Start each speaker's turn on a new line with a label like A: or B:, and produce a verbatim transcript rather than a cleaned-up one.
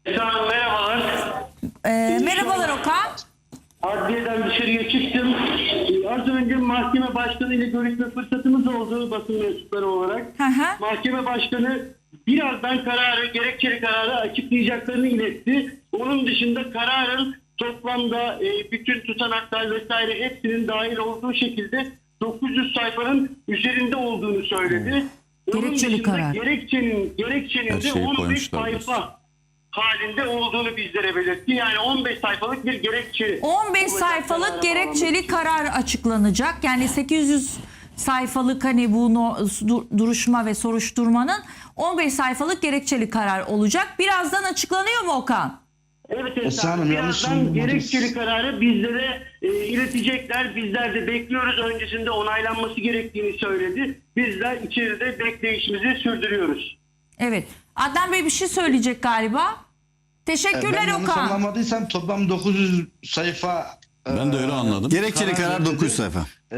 A: Sağ olun, merhabalar.
B: Ee, merhabalar Okan.
A: Adliyeden dışarıya çıktım. Ee, Az önce mahkeme başkanı ile görüşme fırsatımız oldu basın mensupları olarak.
B: Hı hı.
A: Mahkeme başkanı birazdan kararı, gerekçeli kararı açıklayacaklarını iletti. Onun dışında kararın toplamda e, bütün tutanaklar vesaire hepsinin dahil olduğu şekilde dokuz yüz sayfanın üzerinde olduğunu söyledi. Onun
B: Gerekçeli
A: dışında
B: karar.
A: gerekçenin, gerekçenin
C: Her
A: de
C: şeyi
A: on beş
C: koymuşlar
A: sayfa halinde olduğunu bizlere belirtti. Yani on beş sayfalık bir gerekçe.
B: on beş
A: olacak
B: sayfalık
A: karara
B: gerekçeli
A: bağlamak için.
B: karar açıklanacak. Yani sekiz yüz sayfalık hani bu no- dur- duruşma ve soruşturmanın on beş sayfalık gerekçeli karar olacak. Birazdan açıklanıyor mu Okan?
A: Evet
D: Esra
A: Esra
D: Hanım,
A: Hanım,
D: yanlış
A: birazdan
D: anlamadınız.
A: gerekçeli kararı bizlere e, iletecekler. Bizler de bekliyoruz. Öncesinde onaylanması gerektiğini söyledi. Bizler içeride bekleyişimizi sürdürüyoruz.
B: Evet. Adnan Bey bir şey söyleyecek galiba. Teşekkürler
D: Ben yanlış
B: Okan.
D: anlamadıysam toplam dokuz yüz sayfa.
C: Ben de öyle anladım.
E: Gerekçeli karar
D: verildi.
E: dokuz sayfa.